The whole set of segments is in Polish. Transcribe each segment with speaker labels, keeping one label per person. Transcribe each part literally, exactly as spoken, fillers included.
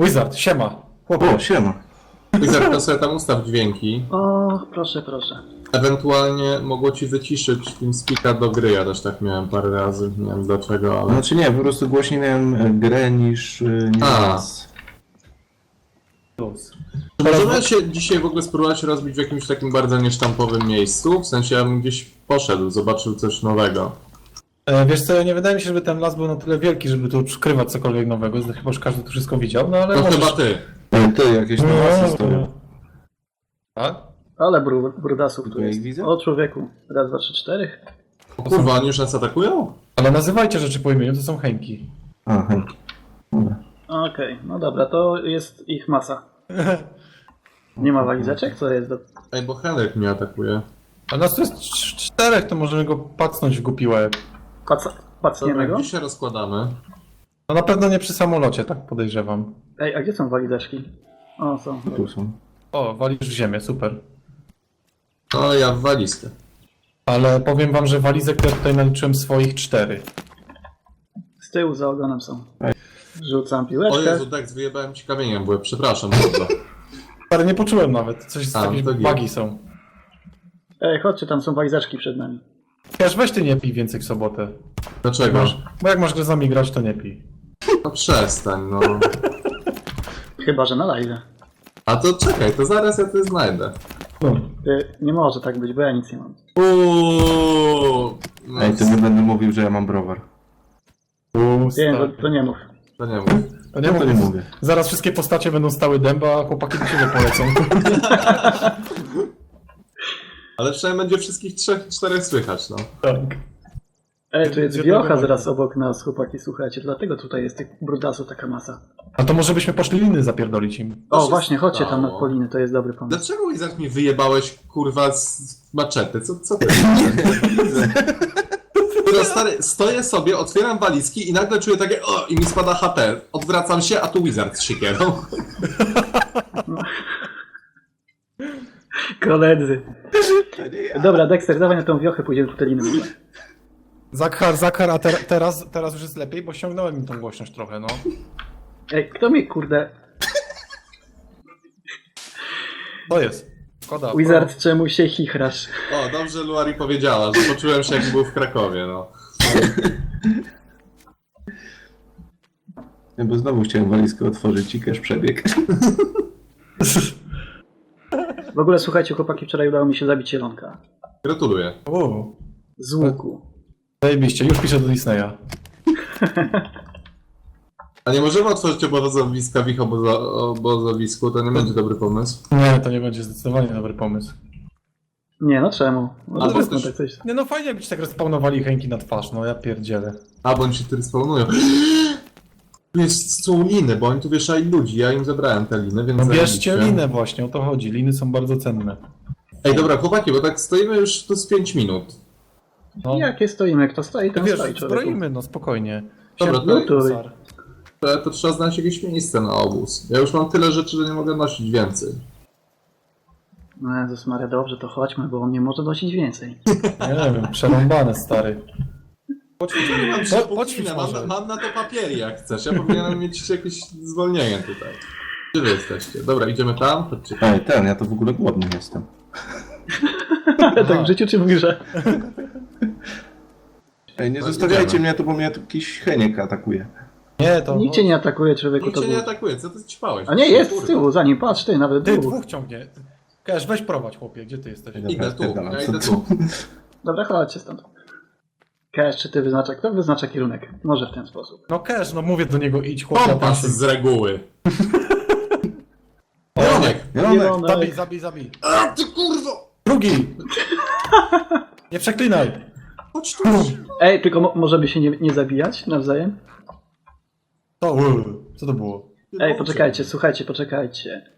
Speaker 1: Wizard, siema. Chłopie.
Speaker 2: O, siema.
Speaker 3: Wizard, to sobie tam ustaw dźwięki.
Speaker 4: O, proszę, proszę.
Speaker 3: Ewentualnie mogło ci wyciszyć TeamSpeaka do gry, ja też tak miałem parę razy, nie wiem dlaczego, ale...
Speaker 2: Znaczy nie, po prostu głośniej miałem grę niż, niż
Speaker 3: A.
Speaker 2: nas.
Speaker 1: Plus.
Speaker 3: Czy możemy się dzisiaj w ogóle spróbować rozbić w jakimś takim bardzo niesztampowym miejscu? W sensie ja bym gdzieś poszedł, zobaczył coś nowego.
Speaker 1: E, wiesz co, nie wydaje mi się, żeby ten las był na tyle wielki, żeby tu skrywać cokolwiek nowego. Chyba, że każdy tu wszystko widział, no ale
Speaker 3: No
Speaker 1: możesz...
Speaker 3: chyba ty.
Speaker 2: Ale ty, jakieś
Speaker 1: No,
Speaker 2: nowe stoją.
Speaker 1: Tak?
Speaker 4: Ale bru, brudasów tu
Speaker 2: Tu ja ich
Speaker 4: jest.
Speaker 2: widzę?
Speaker 4: O, człowieku. Raz, dwa, trzy, cztery.
Speaker 3: O kurwa, oni już nas atakują?
Speaker 1: Ale nazywajcie rzeczy po imieniu, to są chęki.
Speaker 2: A, hej. Dobra.
Speaker 4: Okej, no dobra, to jest ich masa. Nie ma walizeczek? Co jest do...
Speaker 3: Ej, bo Henryk mnie atakuje.
Speaker 1: A nas tu jest cz- czterech, to możemy go pacnąć w głupi łeb.
Speaker 4: Paca... Pacniemy
Speaker 3: Dobra,
Speaker 4: go?
Speaker 3: gdzie się rozkładamy?
Speaker 1: No na pewno nie przy samolocie, tak podejrzewam.
Speaker 4: Ej, a gdzie są walizeczki? O, są.
Speaker 2: Tu są.
Speaker 1: O, walisz w ziemię, super.
Speaker 3: No ja w walizkę.
Speaker 1: Ale powiem wam, że walizek to ja tutaj naliczyłem swoich cztery.
Speaker 4: Z tyłu za ogonem są. Rzucam
Speaker 3: O
Speaker 4: piłeczkę.
Speaker 3: Jezu, tak, wyjebałem ci kamieniem, bo przepraszam bardzo.
Speaker 1: Ale nie poczułem nawet, coś z
Speaker 3: A,
Speaker 1: jakieś
Speaker 3: to git.
Speaker 1: bugi są.
Speaker 4: Ej, chodźcie, tam są walizeczki przed nami.
Speaker 1: Wiesz, weź ty nie pij więcej w sobotę.
Speaker 3: Dlaczego?
Speaker 1: Masz, bo jak masz grę z nami grać, to nie pij.
Speaker 3: No przestań, no.
Speaker 4: Chyba, że na live.
Speaker 3: A to czekaj, to zaraz ja to znajdę.
Speaker 1: No.
Speaker 4: Y, nie może tak być, bo ja nic nie mam.
Speaker 3: Uuuu. No,
Speaker 2: Ej, to nie będę mówił, że ja mam browar.
Speaker 4: Nie, to, to nie mów.
Speaker 3: to nie mów.
Speaker 1: To nie,
Speaker 2: No to nie
Speaker 1: mówię.
Speaker 2: mówię.
Speaker 1: Zaraz wszystkie postacie będą stały dęba, a chłopaki do siebie polecą.
Speaker 3: Ale przynajmniej będzie wszystkich trzech, czterech słychać, no.
Speaker 1: Tak.
Speaker 4: Ej, tu jest
Speaker 1: Gdzie
Speaker 4: wiocha
Speaker 1: tego
Speaker 4: zaraz obok nas, chłopaki, słuchajcie. Dlatego tutaj jest tych brudasów taka masa.
Speaker 1: A to może byśmy poszli liny zapierdolić im.
Speaker 3: To
Speaker 4: O,
Speaker 3: się
Speaker 4: właśnie, chodźcie tam
Speaker 3: stało.
Speaker 4: na Poliny, to jest dobry pomysł.
Speaker 3: Dlaczego Wizard mi wyjebałeś, kurwa, z maczety? Co, co ty? Kurwa, stary, stoję sobie, otwieram walizki i nagle czuję takie o, i mi spada H P. Odwracam się, a tu Wizard z siekierą.
Speaker 4: Koledzy. Dobra, Dexter, dawaj na tą wiochę, pójdziemy po te liny.
Speaker 1: Zakhar, Zakhar, a ter teraz, teraz już jest lepiej, bo ściągnąłem im tą głośność trochę, no.
Speaker 4: Ej, kto mi, kurde...
Speaker 1: To jest. Szkoda.
Speaker 4: Wizard, czemu się chichrasz?
Speaker 3: O, dobrze Luari powiedziała, że poczułem się jak był w Krakowie, no.
Speaker 2: Nie, bo znowu chciałem walizkę otworzyć i cash przebieg.
Speaker 4: W ogóle, słuchajcie, chłopaki, wczoraj udało mi się zabić zielonka.
Speaker 3: Gratuluję.
Speaker 1: O,
Speaker 4: Z łuku.
Speaker 1: zajebiście, już piszę do Disneya.
Speaker 3: A nie możemy otworzyć obozowiska w ich obozo obozowisku, to nie będzie dobry pomysł.
Speaker 1: Nie, to nie będzie zdecydowanie dobry pomysł.
Speaker 4: Nie, no czemu? Może
Speaker 3: Albo
Speaker 4: zróbmy
Speaker 3: też-
Speaker 4: tak coś.
Speaker 1: Nie no, fajnie jakbyście tak respawnowali chęki na twarz, no ja pierdzielę.
Speaker 3: A, bo oni się tu spawnują. Tu jest, są liny, bo oni tu wieszali ludzi, ja im zabrałem te liny, więc
Speaker 1: No bierzcie
Speaker 3: zajebiście.
Speaker 1: linę właśnie, o to chodzi. Liny są bardzo cenne.
Speaker 3: Ej, dobra, chłopaki, bo tak stoimy już tu z pięć minut.
Speaker 1: No,
Speaker 4: Jakie stoimy? Kto stoi, ten
Speaker 1: wiesz,
Speaker 4: stoi, człowieku.
Speaker 1: zbroimy, no spokojnie.
Speaker 3: Dobra,
Speaker 1: Siedem-
Speaker 3: to-
Speaker 4: Lutuj.
Speaker 1: Sar.
Speaker 3: To, to trzeba znaleźć jakieś miejsce na obóz. Ja już mam tyle rzeczy, że nie mogę nosić więcej.
Speaker 4: No Jezus Maria, dobrze, to chodźmy, bo on nie może nosić więcej.
Speaker 1: Nie wiem, przerąbane, stary.
Speaker 3: Nie mam
Speaker 1: Po- poćwicz może.
Speaker 3: mam, mam na to papiery jak chcesz, ja powinienem mieć jakieś zwolnienie tutaj. Gdzie wy jesteście? Dobra, idziemy tam? Chodźcie.
Speaker 2: Ej, ten, ja to w ogóle głodny jestem.
Speaker 4: Tak w życiu czy w grze?
Speaker 2: Ej, nie
Speaker 3: No,
Speaker 2: zostawiajcie
Speaker 3: idziemy.
Speaker 2: mnie tu, bo mnie tu jakiś Heniek atakuje.
Speaker 1: Nie, to...
Speaker 4: Nikt cię nie atakuje, człowieku,
Speaker 3: Nikt
Speaker 4: to
Speaker 3: cię nie
Speaker 4: był...
Speaker 3: atakuje, co ty ćpałeś?
Speaker 4: A nie, jest
Speaker 3: Kurwa.
Speaker 4: z tyłu, za nim, patrz, ty, nawet
Speaker 1: Ty,
Speaker 4: dwóch.
Speaker 1: dwóch ciągnie. Każ, weź prowadź, chłopie, gdzie ty jesteś?
Speaker 2: Dobra,
Speaker 3: Idę tu,
Speaker 2: spierdalam.
Speaker 3: ja
Speaker 2: Co-
Speaker 3: idę
Speaker 2: co-
Speaker 3: tu.
Speaker 4: Dobra, chodźcie stąd. Cash, czy ty wyznacza? Kto wyznacza kierunek? Może w ten sposób.
Speaker 1: No Cash, no mówię do niego idź, chłopie. a pan
Speaker 3: Kompas
Speaker 1: się-
Speaker 3: z reguły.
Speaker 1: O,
Speaker 3: Janek!
Speaker 2: Jelonek!
Speaker 1: Zabij, zabij, zabij.
Speaker 3: A ty kurwo!
Speaker 1: Drugi! Nie przeklinaj!
Speaker 3: Chodź tu!
Speaker 4: Ej, tylko mo możemy się nie, nie zabijać nawzajem?
Speaker 1: To, co to było?
Speaker 4: Ej, poczekajcie, słuchajcie, poczekajcie.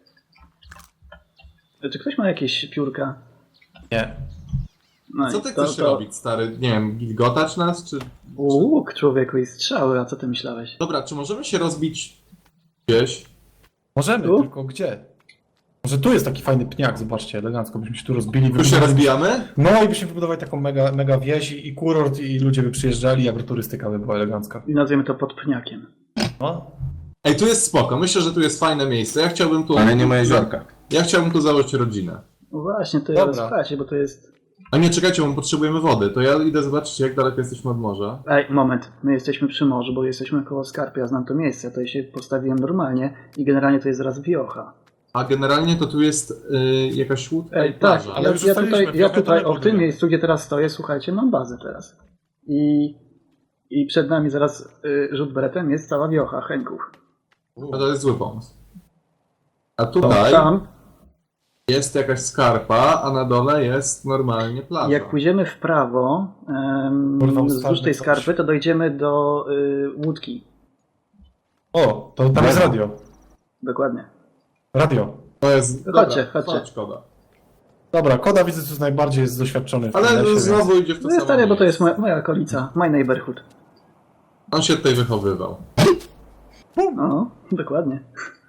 Speaker 4: Czy ktoś ma jakieś piórka?
Speaker 1: Nie.
Speaker 4: No
Speaker 3: Co
Speaker 4: i
Speaker 3: ty
Speaker 4: to-
Speaker 3: chcesz
Speaker 4: to-
Speaker 3: robić, stary? Nie wiem, gilgotać nas, czy...
Speaker 4: Łuk, człowieku, i strzały, a co ty myślałeś?
Speaker 3: Dobra, czy możemy się rozbić gdzieś?
Speaker 1: Możemy,
Speaker 4: Tu?
Speaker 1: tylko gdzie? Może tu jest taki fajny pniak, zobaczcie, elegancko, byśmy się tu rozbili.
Speaker 3: Tu się rozbijamy?
Speaker 1: No i byśmy wybudowali taką mega, mega wieś i, i kurort i ludzie by przyjeżdżali, agroturystyka by była elegancka.
Speaker 4: I nazwiemy to pod pniakiem.
Speaker 1: No.
Speaker 3: Ej, tu jest spoko, myślę, że tu jest fajne miejsce. Ja chciałbym tu...
Speaker 2: Ale nie ma jeziorka.
Speaker 3: Ja chciałbym tu założyć rodzinę.
Speaker 4: No właśnie, to ja
Speaker 1: Dobra.
Speaker 4: słuchajcie, bo to jest...
Speaker 3: A nie, czekajcie, bo potrzebujemy wody. To ja idę zobaczyć, jak daleko jesteśmy od morza.
Speaker 4: Ej, moment, my jesteśmy przy morzu, bo jesteśmy koło Skarpy, ja znam to miejsce, to się postawiłem normalnie i generalnie to jest zaraz wiocha.
Speaker 3: A generalnie to tu jest y, jakaś łódka
Speaker 4: Ej,
Speaker 3: i
Speaker 4: tak,
Speaker 3: plaża.
Speaker 1: ale
Speaker 4: ja,
Speaker 1: już
Speaker 4: ja
Speaker 1: ustaliliśmy,
Speaker 4: tutaj, ja
Speaker 1: wiochę to
Speaker 4: tutaj
Speaker 1: nie
Speaker 4: o, w tym
Speaker 1: budujemy.
Speaker 4: miejscu, gdzie teraz stoję, słuchajcie, mam bazę teraz. I, i przed nami zaraz y, rzut beretem jest cała wiocha Henków.
Speaker 3: No to jest zły pomysł. A tutaj
Speaker 4: Tam,
Speaker 3: jest jakaś skarpa, a na dole jest normalnie plaża.
Speaker 4: jak pójdziemy w prawo, em,
Speaker 1: Kurwa,
Speaker 4: wzdłuż
Speaker 1: ustawmy
Speaker 4: tej
Speaker 1: coś.
Speaker 4: skarpy, to dojdziemy do y, łódki.
Speaker 1: O, to tam jest radio.
Speaker 4: Dokładnie.
Speaker 1: Radio.
Speaker 3: To jest...
Speaker 4: Chodźcie,
Speaker 3: dobra,
Speaker 4: chodźcie.
Speaker 3: Chodź, Koda.
Speaker 1: Dobra, Koda widzę, że najbardziej jest doświadczony w tym
Speaker 3: Ale
Speaker 1: lesie,
Speaker 3: znowu
Speaker 1: więc...
Speaker 3: idzie w to
Speaker 4: No
Speaker 3: samo
Speaker 4: stary, bo to jest
Speaker 3: miejsce.
Speaker 4: moja, moja okolica, my neighborhood.
Speaker 3: On się tutaj wychowywał.
Speaker 4: No, dokładnie.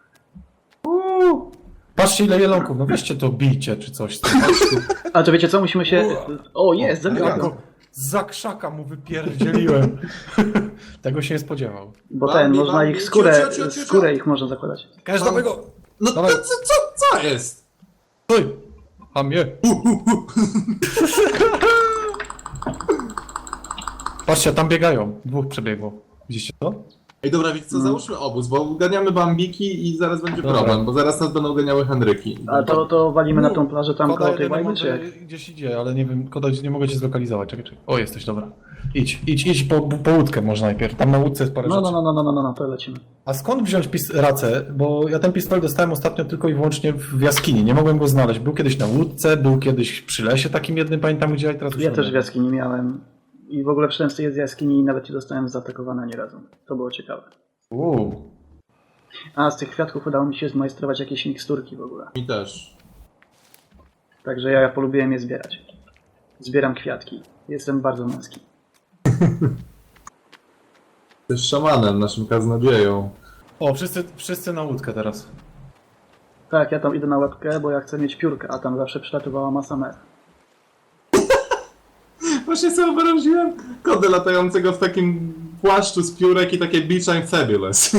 Speaker 1: Patrzcie ile jelonków, no weźcie to bijcie czy coś.
Speaker 4: A to wiecie co, musimy się... O, jest,
Speaker 1: Ja
Speaker 4: zabiorę.
Speaker 1: go za krzaka mu wypierdzieliłem. Tego się nie spodziewał.
Speaker 4: Bo
Speaker 3: Bambi,
Speaker 4: ten, można
Speaker 3: Bambi,
Speaker 4: ich skórę,
Speaker 3: cio, cio, cio, cio, cio.
Speaker 4: skórę ich można zakładać.
Speaker 1: Każdego...
Speaker 3: No to
Speaker 1: Dawaj.
Speaker 3: co, co, co jest?
Speaker 1: Stój! A mnie! Patrzcie, tam biegają. Dwóch przebiegło. Widzicie to?
Speaker 3: Ej, dobra, wiecie co, załóżmy obóz, bo ganiamy bambiki i zaraz będzie
Speaker 1: Dobra.
Speaker 3: problem, bo zaraz nas będą ganiały Henryki.
Speaker 4: A to, to walimy na tą plażę tam
Speaker 1: Koda
Speaker 4: koło tej
Speaker 1: jedyny
Speaker 4: łajby, czy jak?
Speaker 1: mądry gdzieś idzie, ale nie wiem, Koda, nie mogę cię zlokalizować. Czekaj, czekaj. O, jesteś, dobra. Idź, idź, idź po, po łódkę może najpierw. Tam na łódce jest parę
Speaker 4: No,
Speaker 1: rzeczy.
Speaker 4: no, no, no, no, no, no, no, to lecimy.
Speaker 1: A skąd wziąć pis- racę? Bo ja ten pistolet dostałem ostatnio tylko i wyłącznie w jaskini. Nie mogłem go znaleźć. Był kiedyś na łódce, był kiedyś przy lesie takim jednym, pamiętam gdzie, a teraz już
Speaker 4: Ja
Speaker 1: nie
Speaker 4: też
Speaker 1: wiem.
Speaker 4: w jaskini miałem. I w ogóle przyszedłem z tej jaskini i nawet nie zostałem zaatakowany ani razu. To było ciekawe.
Speaker 1: Uuu.
Speaker 4: A z tych kwiatków udało mi się zmajstrować jakieś miksturki w ogóle.
Speaker 3: Mi też.
Speaker 4: Także ja, ja polubiłem je zbierać. Zbieram kwiatki. Jestem bardzo męski.
Speaker 3: Jesteś szamanem, naszym kaznodzieją.
Speaker 1: O, wszyscy, wszyscy na łódkę teraz.
Speaker 4: Tak, ja tam idę na łapkę, bo ja chcę mieć piórkę, a tam zawsze przylatywała masa mer.
Speaker 3: Właśnie sobie wyobraziłem kodę latającego w takim płaszczu z piórek i takie Beach I'm Fabulous.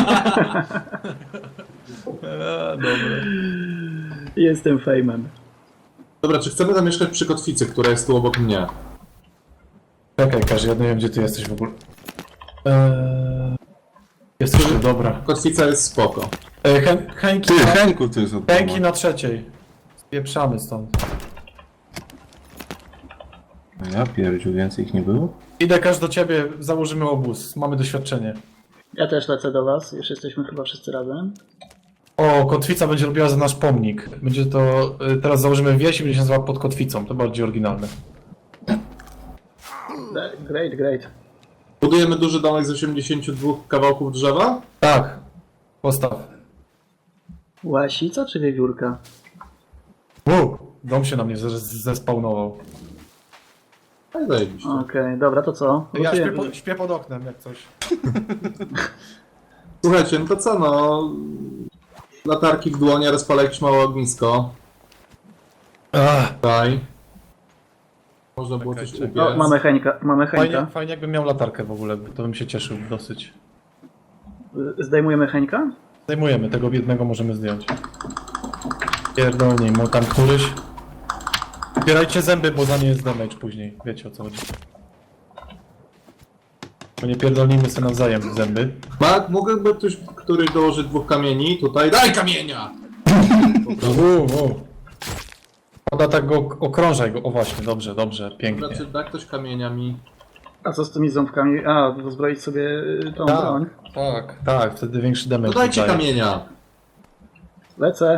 Speaker 1: Eee, dobra.
Speaker 4: Jestem fejmem.
Speaker 3: Dobra, czy chcemy tam mieszkać przy kotwicy, która jest tu obok mnie?
Speaker 1: Czekaj, Karzy, ja nie wiem gdzie ty jesteś w ogóle. Eee... Jesteś tu, dobra.
Speaker 3: Kotwica jest spoko.
Speaker 1: Eee, Hen- Henki,
Speaker 2: Ty,
Speaker 1: na,
Speaker 2: Henku, ty jest od
Speaker 1: Henki
Speaker 2: domu.
Speaker 1: na trzeciej. Spieprzamy stąd.
Speaker 2: Ja pierdziu, więcej ich nie było?
Speaker 1: Idę Każ do ciebie, założymy obóz. Mamy doświadczenie.
Speaker 4: Ja też lecę do was, już jesteśmy chyba wszyscy razem.
Speaker 1: O, kotwica będzie robiła za nasz pomnik. Będzie to... y, Teraz założymy wieś i będzie się nazywała pod kotwicą. To bardziej oryginalne.
Speaker 4: Great, great.
Speaker 3: Budujemy duży domek z osiemdziesięciu dwóch kawałków drzewa?
Speaker 1: Tak. Postaw.
Speaker 4: Łasica czy wiewiórka?
Speaker 1: Uuu, dom się na mnie zes- zespawnował.
Speaker 3: Tak, zajebiście.
Speaker 4: Okej, dobra, to co?
Speaker 1: Ja śpię,
Speaker 4: Losujemy.
Speaker 1: po, śpię pod oknem jak coś.
Speaker 3: Słuchajcie, no to co no... Latarki w dłonie, rozpalę jakieś małe ognisko.
Speaker 1: Ach,
Speaker 3: Tutaj. Można było
Speaker 1: Czekaj,
Speaker 3: coś
Speaker 1: czekaj.
Speaker 3: upiec.
Speaker 4: O, mamy Henka, mamy
Speaker 1: fajnie,
Speaker 4: Henka.
Speaker 1: fajnie jakbym miał latarkę w ogóle, to bym się cieszył dosyć.
Speaker 4: Zdejmujemy Henka?
Speaker 1: Zdejmujemy, tego biednego możemy zdjąć. Pierdolnij mu tam któryś. Zbierajcie zęby, bo za nie jest damage później. Wiecie o co chodzi. Bo nie pierdolnijmy sobie nawzajem zęby.
Speaker 3: Mark, mógłby ktoś, któryś dołożyć dwóch kamieni tutaj? Daj kamienia!
Speaker 1: Uuu, uuu. Poda tak go okrążaj go. O właśnie, dobrze, dobrze, pięknie.
Speaker 3: Znaczy, da ktoś kamieniami.
Speaker 4: A co z tymi ząbkami? A, uzbroić sobie y, tą
Speaker 1: Tak,
Speaker 4: broń.
Speaker 1: tak, tak, wtedy większy damage
Speaker 3: No dajcie
Speaker 1: wydaje.
Speaker 3: kamienia!
Speaker 4: Lecę.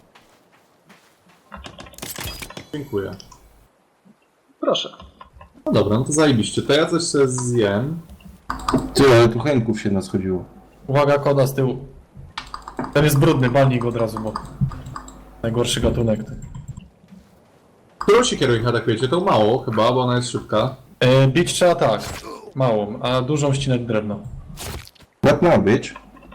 Speaker 3: Dziękuję.
Speaker 4: Proszę.
Speaker 3: No dobra, no to zajebiście. To ja coś sobie zjem.
Speaker 2: Ty, ale tu Henków się naschodziło.
Speaker 1: Uwaga, Koda z tyłu. Ten jest brudny, balnij go od razu, bo... Najgorszy gatunek.
Speaker 3: Którą siekierą ich atakujecie? To mało chyba, bo ona jest szybka.
Speaker 1: E, bić trzeba tak, małą, a dużą ścinać drewno.
Speaker 2: What now, bitch?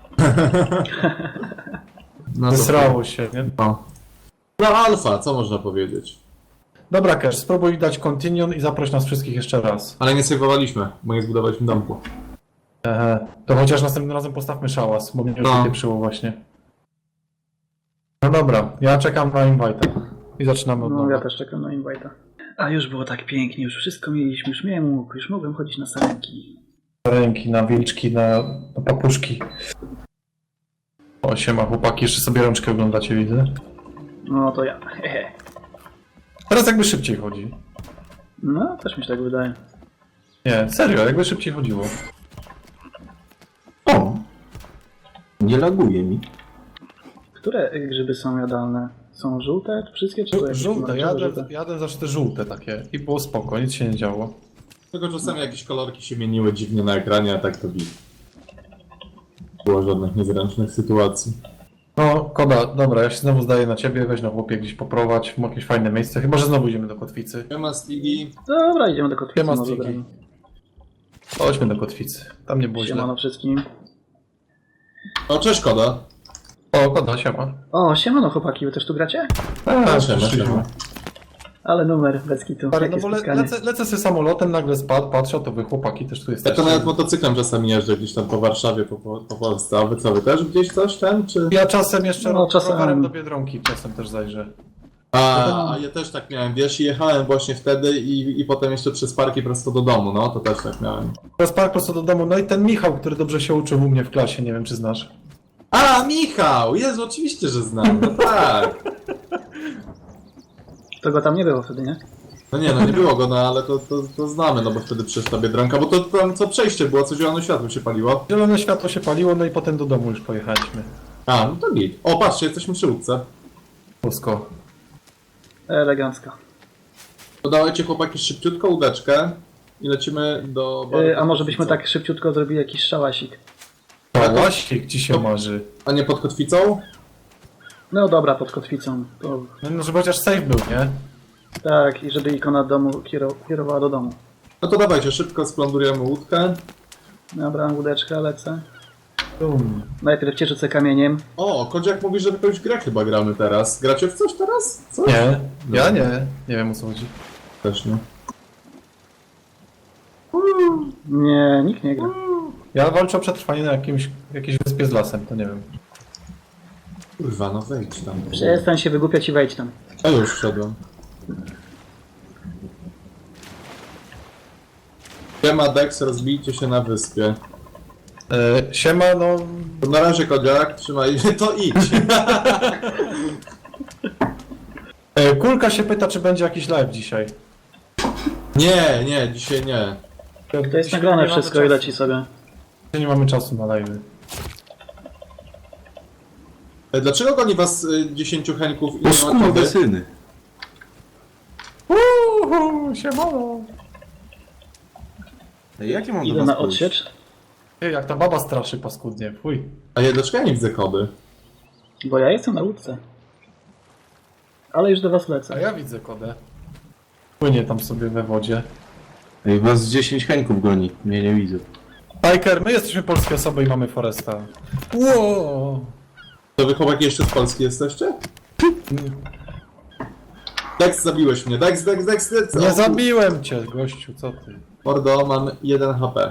Speaker 3: No to-
Speaker 1: Zesrało się, nie?
Speaker 3: No. No alfa, co można powiedzieć?
Speaker 1: Dobra, Cash, spróbuj dać continue i zaproś nas wszystkich jeszcze raz.
Speaker 3: Ale nie sejwowaliśmy, bo nie zbudowaliśmy domku.
Speaker 1: Ehe, to chociaż następnym razem postawmy szałas, bo mnie już
Speaker 3: No.
Speaker 1: wypieprzyło właśnie. No dobra, ja czekam na invite'a. I zaczynamy od
Speaker 4: No
Speaker 1: nowa.
Speaker 4: ja też czekam na invite'a. A już było tak pięknie, już wszystko mieliśmy, już miałem łuk, już mogłem chodzić na sarenki.
Speaker 1: Ręki, na wilczki, na, na papuszki. O, siema chłopaki, jeszcze sobie rączkę oglądacie, widzę.
Speaker 4: No to ja. Hehe.
Speaker 1: Teraz jakby szybciej chodzi.
Speaker 4: No, też mi się tak wydaje.
Speaker 1: Nie, serio, jakby szybciej chodziło.
Speaker 2: O! Nie laguje mi.
Speaker 4: Które grzyby są jadalne? Są żółte? Wszystkie czy to jakieś
Speaker 1: Żółte,
Speaker 4: pomarańczowe,
Speaker 1: jadę,
Speaker 4: żółte?
Speaker 1: jadę zawsze te żółte takie. I było spoko, nic się nie działo.
Speaker 3: Tylko czasami jakieś kolorki się mieniły dziwnie na ekranie, a tak to bit. Nie było żadnych niezręcznych sytuacji.
Speaker 1: No, Koda, dobra, ja się znowu zdaję na ciebie, weź na chłopie gdzieś poprowadź w jakieś fajne miejsce. Chyba, że znowu idziemy do kotwicy.
Speaker 3: Siema Stigi.
Speaker 4: Dobra, idziemy do kotwicy.
Speaker 1: Siema,
Speaker 4: może
Speaker 1: Stiki.
Speaker 4: bramy.
Speaker 1: Chodźmy do kotwicy. Tam nie było źle.
Speaker 4: Siemano wszystkim.
Speaker 3: O, cześć Koda.
Speaker 1: O, Koda, siema.
Speaker 4: O, siemano chłopaki, wy też tu gracie?
Speaker 1: A,
Speaker 3: siema,
Speaker 1: przyszliśmy.
Speaker 3: siema.
Speaker 4: Ale numer, bez kitu.
Speaker 1: Stary, no
Speaker 4: Jakie
Speaker 1: bo le,
Speaker 4: spotkanie.
Speaker 1: lecę, lecę sobie samolotem, nagle spadł, patrzę, to wy chłopaki też tu
Speaker 3: Ja
Speaker 1: jesteście.
Speaker 3: to nawet motocyklem czasami jeżdżę gdzieś tam po Warszawie, po, po, po Polsce. A wy co, wy też gdzieś coś ten, czy...
Speaker 1: Ja czasem jeszcze
Speaker 4: No,
Speaker 1: no,
Speaker 4: czasem.
Speaker 1: rowerem do Biedronki, czasem też zajrzę.
Speaker 3: A, a ja też tak miałem, wiesz, i jechałem właśnie wtedy i, i potem jeszcze przez parki prosto do domu, no to też tak miałem.
Speaker 1: Teraz park prosto do domu, no i ten Michał, który dobrze się uczył u mnie w klasie, nie wiem czy znasz.
Speaker 3: A, Michał! Jezu, oczywiście, że znam, no tak.
Speaker 4: To go tam nie było wtedy, nie?
Speaker 3: No nie, no nie było go, no ale to, to, to znamy, no bo wtedy przecież ta Biedronka, bo to tam co przejście było, co zielone światło się paliło.
Speaker 1: Zielone światło się paliło, no i potem do domu już pojechaliśmy.
Speaker 3: A, no to git. O, patrzcie, jesteśmy przy łódce.
Speaker 1: Polsko.
Speaker 4: Elegancko.
Speaker 3: To dawajcie chłopaki szybciutko łódeczkę i lecimy do... baru
Speaker 4: Yy, a
Speaker 3: pod
Speaker 4: może byśmy
Speaker 3: kotwicą.
Speaker 4: tak szybciutko zrobili jakiś szałasik?
Speaker 1: Pałasik ci się
Speaker 3: To-
Speaker 1: marzy.
Speaker 3: A nie pod kotwicą?
Speaker 4: No dobra, pod kotwicą. To,
Speaker 1: No, no żeby chociaż safe był, nie?
Speaker 4: tak, i żeby ikona domu kiero- kierowała do domu.
Speaker 3: No to dawajcie, szybko splądrujemy łódkę.
Speaker 4: Dobra, łódeczkę, lecę.
Speaker 1: Bum.
Speaker 4: Najpierw cię rzucę kamieniem.
Speaker 3: O, Kodziak mówi, że w jakąś grę chyba gramy teraz. Gracie w coś teraz? Co?
Speaker 1: Nie, ja nie. Nie wiem o co chodzi.
Speaker 3: Też nie.
Speaker 4: Nie, nikt nie gra.
Speaker 1: Ja walczę o przetrwanie na jakimś, jakiejś wyspie z lasem, to nie wiem.
Speaker 3: Kurwa, no wejdź tam.
Speaker 4: Przestań się wygłupiać i wejdź tam.
Speaker 3: Ja już wszedłem. Siema Dex, rozbijcie się na wyspie.
Speaker 1: E, siema, no...
Speaker 3: To na razie Kodziak, trzymaj, to idź.
Speaker 1: E, Kulka się pyta, czy będzie jakiś live dzisiaj.
Speaker 3: Nie, nie, dzisiaj nie.
Speaker 4: To jest nagrane wszystko i leci sobie.
Speaker 1: Dzisiaj nie mamy czasu na live.
Speaker 3: E, Dlaczego goni was y, dziesięciu Henków i
Speaker 2: O
Speaker 3: nie ma
Speaker 2: skurwe
Speaker 3: Kody?
Speaker 2: syny.
Speaker 1: Uhu, siemano.
Speaker 2: Ej, jak ja mam do
Speaker 4: Idę
Speaker 2: was
Speaker 4: na
Speaker 2: pójść?
Speaker 4: odsiecz,
Speaker 1: Ej, jak ta baba straszy paskudnie, fuj.
Speaker 3: A ja dlaczego ja nie widzę Kody?
Speaker 4: bo ja jestem na łódce. Ale już do was
Speaker 1: A
Speaker 4: lecę.
Speaker 1: ja widzę kodę. Płynie tam sobie we wodzie.
Speaker 2: Ej, was z dziesięć Henków goni. Mnie nie widzę.
Speaker 1: Tiger, my jesteśmy polskie osoby i mamy Foresta. Wow.
Speaker 3: To wy chłopaki jeszcze z Polski jesteście? Dex, zabiłeś mnie. Dex, Dex, Dex, Dex.
Speaker 1: Nie
Speaker 3: O,
Speaker 1: zabiłem cię, gościu, co ty?
Speaker 3: Mordo, mam jeden H P.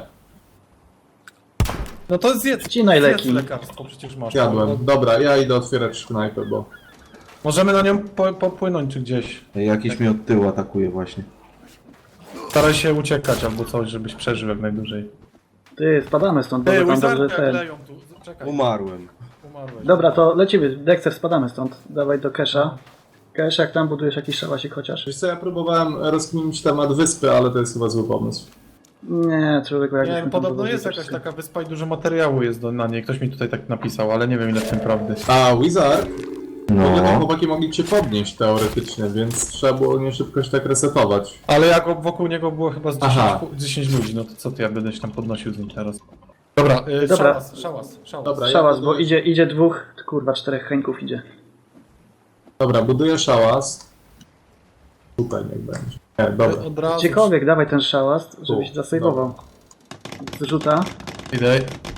Speaker 1: No to zjedz,
Speaker 4: Wcinaj
Speaker 1: zjedz
Speaker 4: leki.
Speaker 1: lekarstwo, przecież masz.
Speaker 3: Jadłem. Dobra, ja idę otwierać knajpę, bo...
Speaker 1: Możemy na nią po, popłynąć czy gdzieś.
Speaker 2: Ej, jakiś mnie od tyłu atakuje właśnie.
Speaker 1: Staraj się uciekać albo coś, żebyś przeżył jak najdłużej.
Speaker 4: Ty, spadamy stąd, bo
Speaker 1: Ej,
Speaker 4: wy tam dobrze
Speaker 1: Wizarda
Speaker 4: ten.
Speaker 1: kleją tu, czekaj.
Speaker 2: Umarłem.
Speaker 1: Umarłeś.
Speaker 4: Dobra, to lecimy. Dexter, spadamy stąd. Dawaj do Kesha. Cash, jak tam budujesz jakiś szałasik chociaż?
Speaker 3: Wiesz co, ja próbowałem rozkminić temat wyspy, ale to jest chyba zły pomysł.
Speaker 4: Nie, człowieku, jak
Speaker 1: Nie
Speaker 4: byśmy
Speaker 1: wiem,
Speaker 4: tam
Speaker 1: podobno
Speaker 4: budowali,
Speaker 1: jest
Speaker 4: to
Speaker 1: jakaś
Speaker 4: wszyscy-
Speaker 1: taka wyspa i dużo materiału jest do, na niej. Ktoś mi tutaj tak napisał, ale nie wiem ile w tym prawdy.
Speaker 3: A, Wizard? W ogóle te
Speaker 2: No.
Speaker 3: chłopaki mogli cię podnieść teoretycznie, więc trzeba było nie szybko się tak resetować.
Speaker 1: Ale jak wokół niego było chyba z dziesięć,
Speaker 3: Aha.
Speaker 1: dziesięć ludzi, no to co ty, ja będę się tam podnosił z nim teraz. Dobra, y,
Speaker 4: Dobra.
Speaker 1: szałas, szałas, szałas.
Speaker 3: Dobra,
Speaker 4: Szałas,
Speaker 3: ja
Speaker 4: bo
Speaker 3: buduję-
Speaker 4: idzie, idzie dwóch, kurwa, czterech Henków idzie.
Speaker 3: Dobra, buduję szałas. Tutaj niech będzie. Nie, dobra.
Speaker 1: Od razu.
Speaker 4: Gdziekolwiek, dawaj ten szałas, żebyś
Speaker 3: Tu,
Speaker 4: zasejwował. Zrzuta.
Speaker 1: Idę.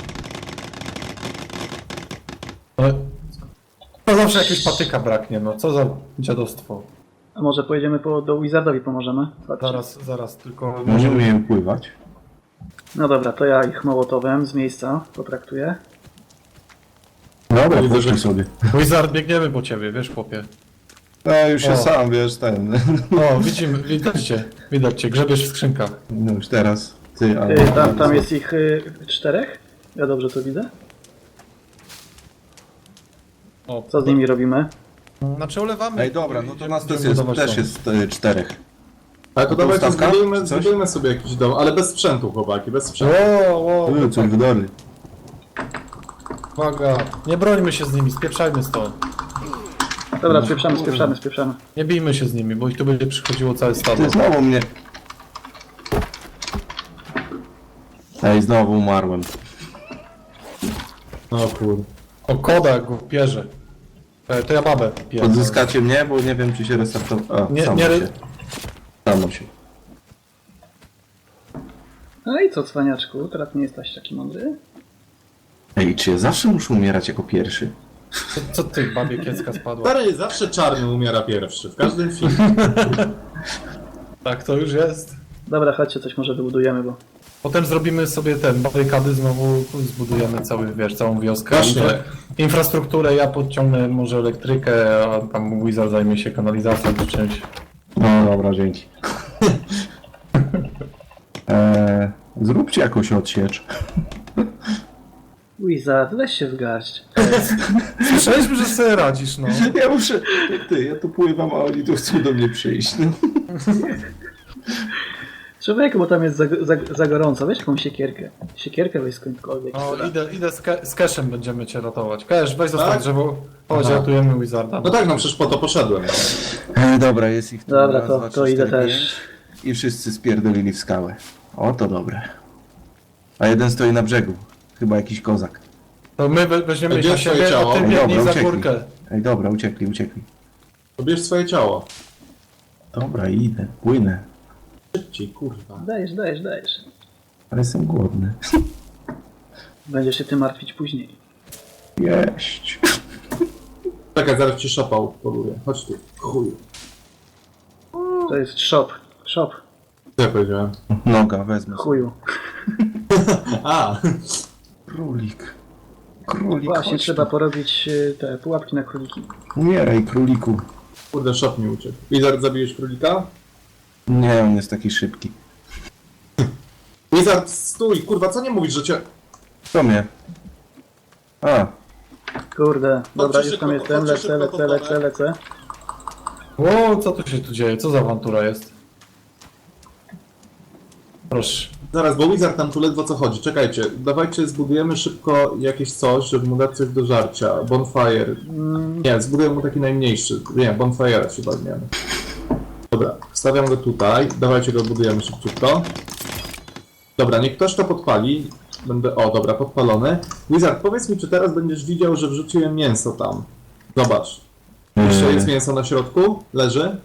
Speaker 1: No, to zawsze jakiegoś patyka braknie, no co za dziadostwo.
Speaker 4: A może pojedziemy po, do Wizardowi pomożemy? Patrz.
Speaker 1: Zaraz, zaraz, tylko
Speaker 2: Może umiem pływać.
Speaker 4: No dobra, to ja ich mołotowem z miejsca potraktuję.
Speaker 2: Dobra,
Speaker 3: Widzę,
Speaker 2: puszczaj
Speaker 3: że-
Speaker 2: sobie.
Speaker 1: Wizard, biegniemy po ciebie, wiesz, chłopie.
Speaker 2: No już
Speaker 1: O.
Speaker 2: się sam, wiesz, ten.
Speaker 1: O, widzimy, widać cię, widać cię, grzebiesz w skrzynkach.
Speaker 2: No już teraz. Ty, ale...
Speaker 4: Y, tam, tam jest ich y, czterech? Ja dobrze to widzę?
Speaker 1: O,
Speaker 4: Co z nimi robimy?
Speaker 1: Znaczy olewamy.
Speaker 2: Ej, dobra, no to nas też
Speaker 1: Będziemy
Speaker 2: jest,
Speaker 1: budować
Speaker 2: też
Speaker 1: dom.
Speaker 2: jest e, czterech.
Speaker 3: Ale to
Speaker 2: To
Speaker 3: dawajcie,
Speaker 2: ustawka?
Speaker 3: zbudujmy,
Speaker 2: Coś?
Speaker 3: zbudujmy sobie jakiś dom, ale bez sprzętu, chłopaki, bez sprzętu.
Speaker 1: Ło, ło,
Speaker 2: Uuu, coś wydory.
Speaker 1: uwaga. Nie brońmy się z nimi, spieprzajmy stąd.
Speaker 4: Dobra, spieprzamy, spieprzamy, spieprzamy.
Speaker 1: Nie bijmy się z nimi, bo ich tu będzie przychodziło całe stado.
Speaker 2: Ty znowu mnie. Ej, znowu umarłem.
Speaker 3: No kur...
Speaker 1: O, koda go pierze. E, to ja babę pierze.
Speaker 2: Odzyskacie mnie, bo nie wiem, czy się restartowało.
Speaker 1: Nie,
Speaker 2: samo
Speaker 1: nie re-
Speaker 2: się. Samo się.
Speaker 4: No i co, cwaniaczku, teraz nie jesteś taki mądry?
Speaker 2: Ej, czy ja zawsze muszę umierać jako pierwszy?
Speaker 1: Co, co ty, babie kiecka spadła?
Speaker 3: Stary, zawsze czarny umiera pierwszy, w każdym filmie.
Speaker 1: Tak, to już jest.
Speaker 4: Dobra, chodźcie, coś może wybudujemy, bo...
Speaker 1: Potem zrobimy sobie ten, barykady znowu, zbudujemy cały, wiesz, całą wioskę.
Speaker 3: Właśnie.
Speaker 1: Infra- Infrastrukturę, ja podciągnę może elektrykę, a tam Wizard zajmie się kanalizacją czy czymś.
Speaker 2: No dobra, dzięki. eee, zróbcie jakąś odsiecz.
Speaker 4: Wizard, weź się w garść.
Speaker 1: Słyszeliśmy, że sobie radzisz, no.
Speaker 2: Ja muszę... Ty, ja tu pływam, a oni tu chcą do mnie przyjść. No.
Speaker 4: Człowieku, bo tam jest za, za, za gorąco, weź jakąś siekierkę. Siekierkę weź skądkolwiek.
Speaker 1: O, idę, idę z, ke- z Cashem, będziemy cię ratować. Cash, weź zostań
Speaker 3: Tak?
Speaker 1: drzewo. Chodź,
Speaker 3: Aha.
Speaker 1: ratujemy Wizarda.
Speaker 3: No tak, no przecież po to poszedłem. No.
Speaker 2: E, dobra, jest ich tu
Speaker 4: Dobra,
Speaker 2: raz,
Speaker 4: to-
Speaker 2: dwa,
Speaker 4: to
Speaker 2: trzy,
Speaker 4: idę
Speaker 2: cztery,
Speaker 4: też.
Speaker 2: pięć. I wszyscy spierdolili w skałę. O, to dobre. A jeden stoi na brzegu. Chyba jakiś kozak.
Speaker 1: To my we- weźmiemy ich
Speaker 3: Gdzie
Speaker 1: na
Speaker 3: twoje
Speaker 1: siebie,
Speaker 3: ciało?
Speaker 1: a ty
Speaker 2: Ej,
Speaker 1: biegnij
Speaker 2: dobra,
Speaker 1: za
Speaker 2: uciekli.
Speaker 1: górkę.
Speaker 2: Ej, dobra, uciekli, uciekli.
Speaker 3: Pobierz swoje ciało.
Speaker 2: Dobra, idę, płynę.
Speaker 3: Szybciej, kurwa.
Speaker 4: Dajesz, dajesz, dajesz.
Speaker 2: Ale jestem głodny.
Speaker 4: Będziesz się tym martwić później.
Speaker 2: Jeść.
Speaker 3: Czekaj, zaraz ci szopał poluję. Chodź tu, chuju.
Speaker 4: To jest shop. Shop.
Speaker 3: Co ja powiedziałem?
Speaker 2: Noga, wezmę.
Speaker 4: Chuju.
Speaker 3: A,
Speaker 2: Królik. Królik,
Speaker 4: Właśnie
Speaker 2: chodź
Speaker 4: trzeba
Speaker 2: tu.
Speaker 4: porobić y, te pułapki na króliki.
Speaker 2: Umieraj, króliku.
Speaker 3: kurde, szop mi uciekł. Wizard, zabiłeś królika?
Speaker 2: Nie, on jest taki szybki.
Speaker 3: Wizard, stój, kurwa, co nie mówisz, że cię...
Speaker 2: Co mnie? A,
Speaker 4: Kurde, dobra,
Speaker 3: Chodźcie
Speaker 4: już tam
Speaker 3: szybko,
Speaker 4: jestem,
Speaker 3: chodźcie
Speaker 4: lecę,
Speaker 3: szybko,
Speaker 4: lecę,
Speaker 3: to
Speaker 4: lecę, lecę.
Speaker 1: Ło, co tu się tu dzieje? Co za awantura jest? Proszę.
Speaker 3: Zaraz, bo Wizard tam tu ledwo co chodzi. Czekajcie, dawajcie, zbudujemy szybko jakieś coś, żeby mu dać coś do żarcia. Bonfire. Nie, zbudujemy mu taki najmniejszy. Nie, Bonfire'a się weźmiemy. Dobra, stawiam go tutaj. Dawajcie go budujemy szybciutko. Dobra, niech ktoś to podpali. Będę... O, dobra, podpalony. Wizard, powiedz mi, czy teraz będziesz widział, że wrzuciłem mięso tam. Zobacz. Jeszcze
Speaker 2: Eee.
Speaker 3: jest mięso na środku? Leży?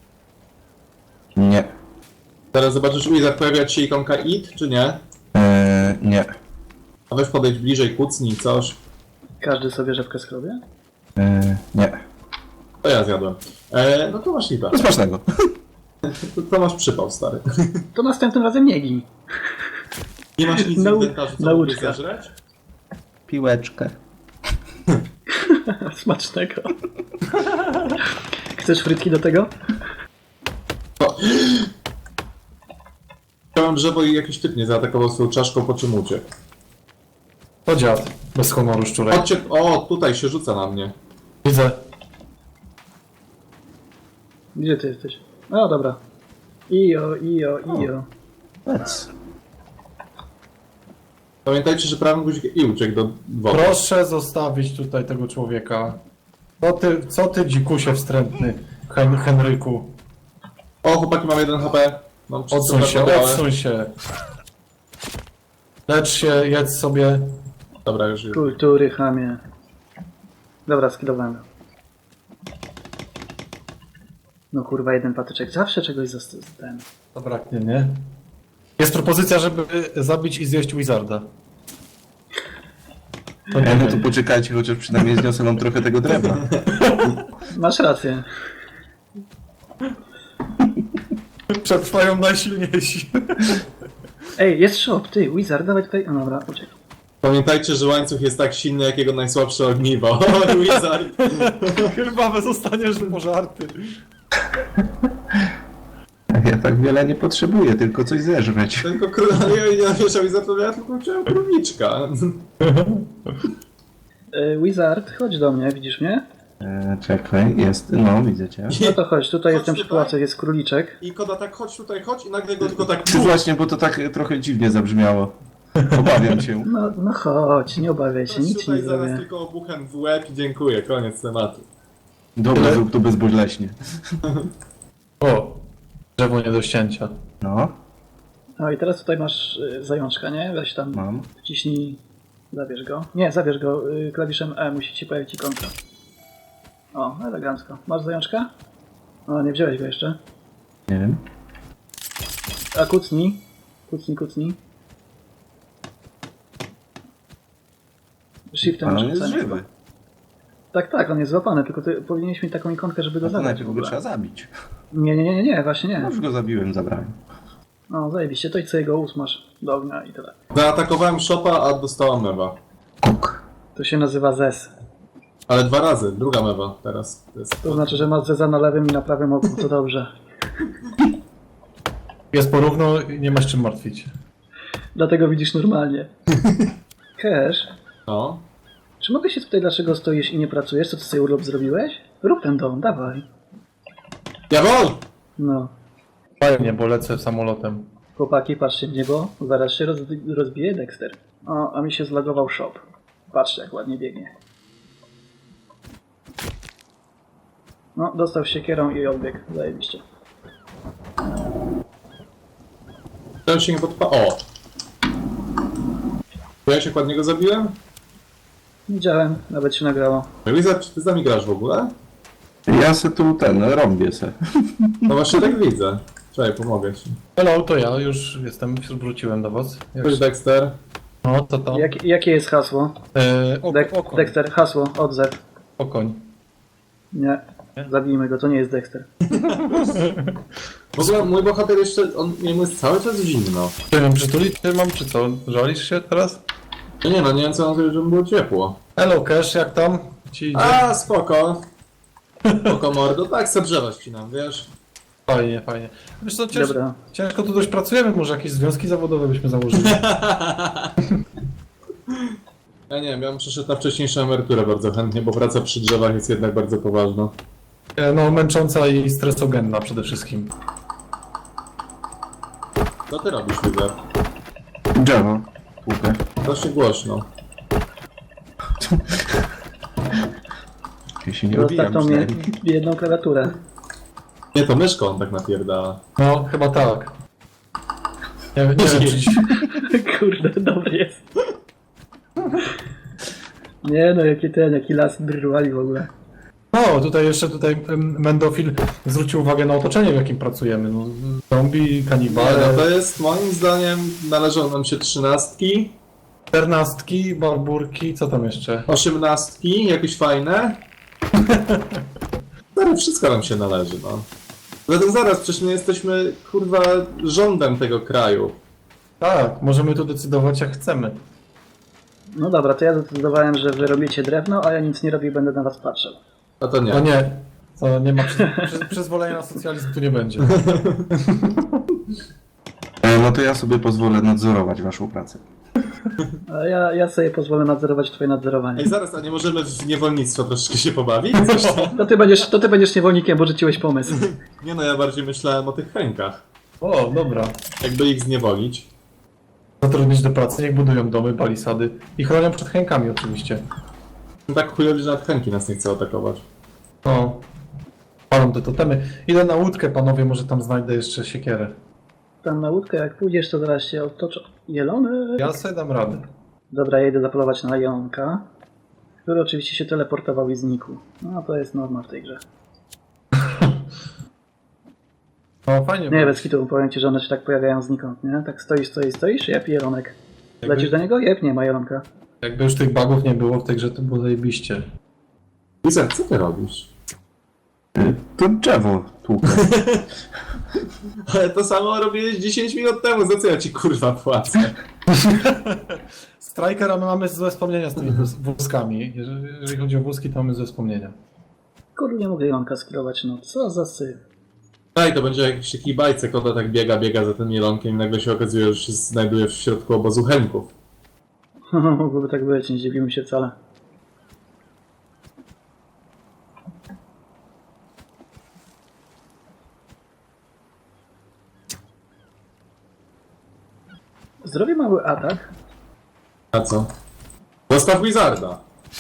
Speaker 2: nie.
Speaker 3: Teraz zobaczysz, Wizard, pojawia ci się ikonka it, czy nie?
Speaker 2: Eee, nie.
Speaker 3: A weź podejdź bliżej, kucnij coś.
Speaker 4: Każdy sobie rzepkę schrobie?
Speaker 2: Eee, nie.
Speaker 3: To ja zjadłem. E, no to masz lipa.
Speaker 2: No smacznego.
Speaker 3: To, to masz przypał, stary.
Speaker 4: To następnym razem nie gin.
Speaker 3: Nie masz nic w
Speaker 4: Nau-
Speaker 3: inwentarzu, co
Speaker 4: nauczka.
Speaker 3: mógłbyś zeżreć?
Speaker 2: Piłeczkę.
Speaker 4: Smacznego. Chcesz frytki do tego?
Speaker 3: Chciałem drzewo i jakiś typ nie zaatakował swoją czaszką, po czym uciekł.
Speaker 1: To dziad. Bez honoru szczurek.
Speaker 3: Chodźcie, o, tutaj się rzuca na mnie.
Speaker 1: Widzę.
Speaker 4: Gdzie ty jesteś? O, dobra. Ijo, ijo, ijo.
Speaker 2: Lec.
Speaker 3: Pamiętajcie, że prawym guzikiem i uciekł do wody.
Speaker 1: Proszę zostawić tutaj tego człowieka. Co ty, co ty dzikusie wstrętny, Hen Henryku?
Speaker 3: O, chłopaki, mam jeden H P. Mam
Speaker 1: Odsuń
Speaker 3: czysto
Speaker 1: się,
Speaker 3: materiały.
Speaker 1: odsuń się. Lecz się, jedz sobie.
Speaker 3: Dobra, już już.
Speaker 4: Kultury, chamie. Dobra, skidowałem. No kurwa, jeden patyczek. Zawsze czegoś za ten.
Speaker 1: Zabraknie, nie? Jest propozycja, żeby zabić i zjeść Wizarda. To nie
Speaker 2: Ej, no to
Speaker 1: wiem.
Speaker 2: poczekajcie, chociaż przynajmniej zniosę nam trochę tego drewna.
Speaker 4: Masz rację.
Speaker 1: Przetrwają najsilniejsi.
Speaker 4: Ej, jest shop, ty, Wizard, dawaj tutaj. No dobra, uciekł.
Speaker 3: Pamiętajcie, że łańcuch jest tak silny, jak jego najsłabsze ogniwo. O, Wizard!
Speaker 1: Chyba zostaniesz pożarty.
Speaker 2: Ja tak wiele nie potrzebuję, tylko coś zeżreć.
Speaker 3: Tylko królowie nie nawieszał i zapomniał, tylko chciałem króliczka.
Speaker 4: E, Wizard, chodź do mnie, widzisz mnie?
Speaker 2: E, czekaj, jest, no widzę cię.
Speaker 4: No to chodź, tutaj
Speaker 3: Chodź
Speaker 4: jestem przy
Speaker 3: tutaj.
Speaker 4: pałacu, jest króliczek.
Speaker 3: I Koda tak, chodź tutaj, chodź i nagle go tylko tak...
Speaker 2: Czy właśnie, bo to tak trochę dziwnie zabrzmiało. Obawiam się.
Speaker 4: No, no chodź, nie obawiaj się,
Speaker 3: Chodź
Speaker 4: nic ci
Speaker 3: tutaj,
Speaker 4: nie
Speaker 3: zaraz
Speaker 4: zrobię.
Speaker 3: tylko obuchem w łeb i dziękuję, koniec tematu.
Speaker 2: Dobra, zrób to bezboleśnie.
Speaker 1: O, drzewo nie do ścięcia.
Speaker 2: No,
Speaker 4: No i teraz tutaj masz y, zajączka, nie? Weź tam,
Speaker 2: mam.
Speaker 4: wciśnij, zabierz go. Nie, zabierz go y, klawiszem E, musi ci pojawić ikonka. O, elegancko. Masz zajączka? O, nie wziąłeś go jeszcze.
Speaker 2: Nie wiem.
Speaker 4: A kucnij. Kucnij, kucnij. Shiftem
Speaker 2: Ale on
Speaker 4: masz
Speaker 2: jest
Speaker 4: kucanie
Speaker 2: żywy.
Speaker 4: chyba. Tak, tak, on jest złapany, tylko ty powinieneś mieć taką ikonkę, żeby go
Speaker 2: A to
Speaker 4: zabrać w
Speaker 2: najpierw go
Speaker 4: ogóle.
Speaker 2: trzeba zabić.
Speaker 4: Nie, nie, nie, nie, nie, właśnie
Speaker 2: No
Speaker 4: nie.
Speaker 2: już go zabiłem, zabrałem.
Speaker 4: No, zajebiście, to i co jego usmasz do ognia i tyle.
Speaker 3: Zaatakowałem Shopa, a dostałam mewa.
Speaker 2: Kuk.
Speaker 4: To się nazywa Zes.
Speaker 3: Ale dwa razy, druga mewa teraz. To jest...
Speaker 4: To znaczy, że masz Zeza na lewym i na prawym oku, to dobrze.
Speaker 1: Jest porówno i nie masz czym martwić.
Speaker 4: Dlatego widzisz normalnie. Cash,
Speaker 3: No.
Speaker 4: czy mogę się tutaj, dlaczego stoisz i nie pracujesz? Co ty sobie urlop zrobiłeś? Rób ten dom, dawaj.
Speaker 3: Jawol!
Speaker 4: No.
Speaker 1: Fajnie, bo lecę samolotem.
Speaker 4: Chłopaki, patrzcie w niebo, zaraz się roz, rozbije Dexter. O, a mi się zlogował shop. Patrzcie, jak ładnie biegnie. No, dostał siekierą i odbiegł. Zajebiście.
Speaker 3: Ten się nie podpa... O! To ja się ładnie zabiłem?
Speaker 4: Widziałem, nawet się nagrało.
Speaker 3: Wizard, czy ty z nami grasz w ogóle?
Speaker 2: Ja se tu ten, rąbię se.
Speaker 3: No właśnie tak widzę. Czekaj, pomogę ci.
Speaker 1: Hello, to ja już jestem, wróciłem do was. Jak...
Speaker 3: Cześć Dexter.
Speaker 1: No, to to.
Speaker 4: Jak, jakie jest hasło?
Speaker 1: E, o,
Speaker 4: Dek-
Speaker 1: okoń,
Speaker 4: Dexter, hasło, odzew.
Speaker 1: okoń.
Speaker 4: Nie, zabijmy go, to nie jest Dexter.
Speaker 3: W ogóle mój bohater jeszcze, on jemu jest cały czas zimno.
Speaker 1: Nie wiem, przytulić cię mam, czy co? Żalisz się teraz?
Speaker 3: No nie no, nie wiem co mam zrobić, żeby było ciepło.
Speaker 1: Hello, Cash, jak tam? Ci idzie?
Speaker 3: A, spoko. Spoko mordo, tak se drzewa ścinam, wiesz?
Speaker 1: Fajnie, fajnie. Wiesz co, cięż...
Speaker 4: Dobra.
Speaker 1: ciężko tu dość pracujemy, może jakieś związki zawodowe byśmy założyli.
Speaker 3: Ja nie wiem, ja bym przeszedł na wcześniejszą emeryturę bardzo chętnie, bo praca przy drzewach jest jednak bardzo poważna.
Speaker 1: E, No, męcząca i stresogenna przede wszystkim.
Speaker 3: Co ty robisz, Wizard?
Speaker 2: Drzewo. Łukę.
Speaker 3: Dość głośno.
Speaker 2: Ja się nie
Speaker 4: Zostaw
Speaker 2: obijam
Speaker 4: tą mnie
Speaker 2: przynajmniej.
Speaker 4: jedną klawiaturę.
Speaker 3: Nie, to myszką on tak napierdala.
Speaker 1: No, chyba tak. Nie, nie wiem, czy...
Speaker 4: Kurde, dobry jest. Nie no, jaki ten, jaki las drwali w ogóle.
Speaker 1: No, tutaj jeszcze tutaj em, Mendofil zwrócił uwagę na otoczenie, w jakim pracujemy. No, zombie,
Speaker 3: Nie,
Speaker 1: kanibale,
Speaker 3: no to jest, moim zdaniem, należą nam się trzynastki,
Speaker 1: czternastki, barburki, co tam jeszcze?
Speaker 3: osiemnastki, jakieś fajne. No, wszystko nam się należy, no. Zatem zaraz, przecież my jesteśmy, kurwa, rządem tego kraju.
Speaker 1: Tak, możemy tu decydować jak chcemy.
Speaker 4: No dobra, to ja zdecydowałem, że wy robicie drewno, a ja nic nie robię i będę na was patrzył.
Speaker 3: A to nie.
Speaker 1: No nie, to nie ma przy, przy, przyzwolenia na socjalizm tu nie będzie.
Speaker 2: E, no to ja sobie pozwolę nadzorować waszą pracę.
Speaker 4: A ja, ja sobie pozwolę nadzorować twoje nadzorowanie.
Speaker 3: Ej, zaraz, a nie możemy w niewolnictwo troszeczkę się pobawić? Coś tam?
Speaker 4: To ty będziesz, to ty będziesz niewolnikiem, bo rzuciłeś pomysł.
Speaker 3: Nie no, ja bardziej myślałem o tych chękach.
Speaker 1: O, dobra.
Speaker 3: Jakby ich zniewolić.
Speaker 1: Zatrudnić do pracy, niech budują domy, palisady i chronią przed chękami oczywiście.
Speaker 3: Tak chujowi, że nawet chęki nas nie chce atakować.
Speaker 1: No, palą te totemy. Idę na łódkę, panowie, może tam znajdę jeszcze siekierę.
Speaker 4: Tam na łódkę, jak pójdziesz, to zaraz się otoczą. Jelony?
Speaker 1: Ja sobie dam radę.
Speaker 4: Dobra, ja idę zapolować na jelonka, który oczywiście się teleportował i znikł. No to jest norma w tej grze.
Speaker 1: No fajnie.
Speaker 4: Nie,
Speaker 1: bo-
Speaker 4: bez kitu, powiem ci, że one się tak pojawiają znikąd, nie? Tak stoisz, stoisz, stoisz, jep, jelonek.
Speaker 1: Jakby-
Speaker 4: Lecisz do niego? Jep, nie ma jelonka.
Speaker 1: Jakby już tych bugów nie było w tej grze, to było zajebiście.
Speaker 3: Wizard, co ty robisz?
Speaker 2: Y, To drzewo tłukę.
Speaker 3: Ale to samo robiłeś dziesięć minut temu, za co ja ci kurwa płacę?
Speaker 1: Strikera my mamy złe wspomnienia z tymi wóz- wózkami. Jeżeli, jeżeli chodzi o wózki, to mamy złe wspomnienia.
Speaker 4: Kurde, nie mogę Ilonka skillować, no co za syf.
Speaker 3: Daj, to będzie jakiś taki bajce, kota tak biega, biega za tym jelonkiem i nagle się okazuje, że się znajduje w środku obozu Henków.
Speaker 4: Mogłoby tak być, nie zdziwimy się wcale. Zrobię mały atak.
Speaker 3: A co? Zostaw Wizarda!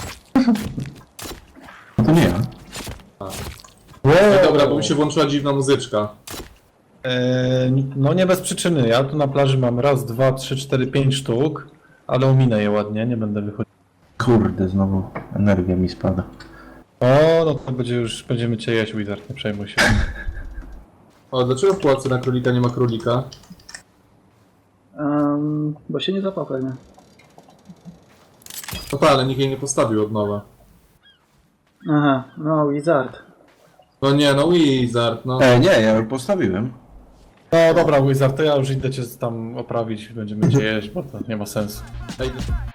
Speaker 2: No to nie ja.
Speaker 3: No dobra, bo mi się włączyła dziwna muzyczka.
Speaker 1: Eee, no nie bez przyczyny. Ja tu na plaży mam raz, dwa, trzy, cztery, pięć sztuk, ale ominę je ładnie, nie będę wychodził.
Speaker 2: Kurde, znowu energia mi spada.
Speaker 1: O, no to będzie już, będziemy cię jeść, Wizard, nie przejmuj się.
Speaker 3: O, dlaczego w pułapce na królika nie ma królika?
Speaker 4: Um, bo się nie zapał pewnie.
Speaker 3: No tak, ale nikt jej nie postawił od nowa.
Speaker 4: Aha, no Wizard.
Speaker 3: No nie, no Wizard, no.
Speaker 2: E, nie, ja już postawiłem.
Speaker 1: No dobra, Wizard, to ja już idę cię tam oprawić, będziemy cię jeść, bo to nie ma sensu.
Speaker 3: Ej,